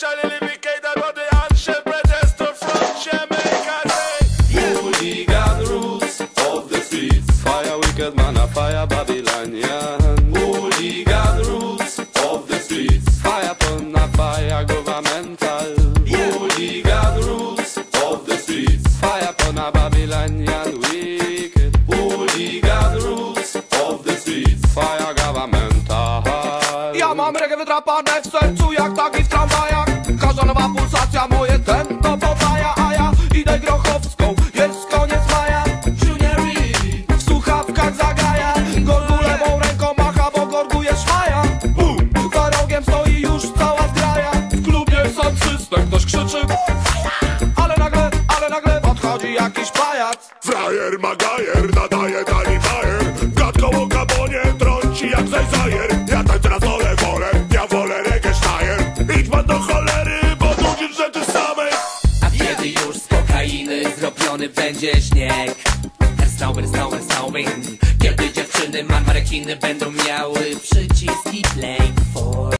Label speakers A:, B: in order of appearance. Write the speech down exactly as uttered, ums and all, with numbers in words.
A: Socially livicated, but the handshake protester from Jamaica. Yeah.
B: Hooligan roots of the streets.
C: Fire wicked man, a fire Babylonian.
B: Hooligan roots of the streets.
C: Fire pun, a fire governmental.
B: Yeah. Hooligan roots of the streets.
C: Fire pun, a Babylonian wicked.
B: Hooligan roots of the streets.
C: Fire governmental.
D: Ja mam reggae wydrapane w sercu jak taki w tramwajach. Każda nowa pulsacja moje tempo podaja. A ja idę grochowską, jest koniec maja. W słuchawkach zagaja. Gorgu lewą ręką macha, bo gorgu jest szmaja. Za rogiem stoi już cała zgraja. W klubie sound system, ktoś krzyczy. Ale nagle, ale nagle podchodzi jakiś pajac.
A: Frajer Magajer nadaje tani bajer. Gadką o gabonie trąci jak zajzajer. Ja tańczę na stole wolę, ja wolę reggae sztajer. Idź pan do cholery, bo nudzisz rzeczy samej.
E: A kiedy już z kokainy zrobiony będzie śnieg. Snowing, snowing, snowing. Kiedy dziewczyny marmarekiny będą miały przyciski play for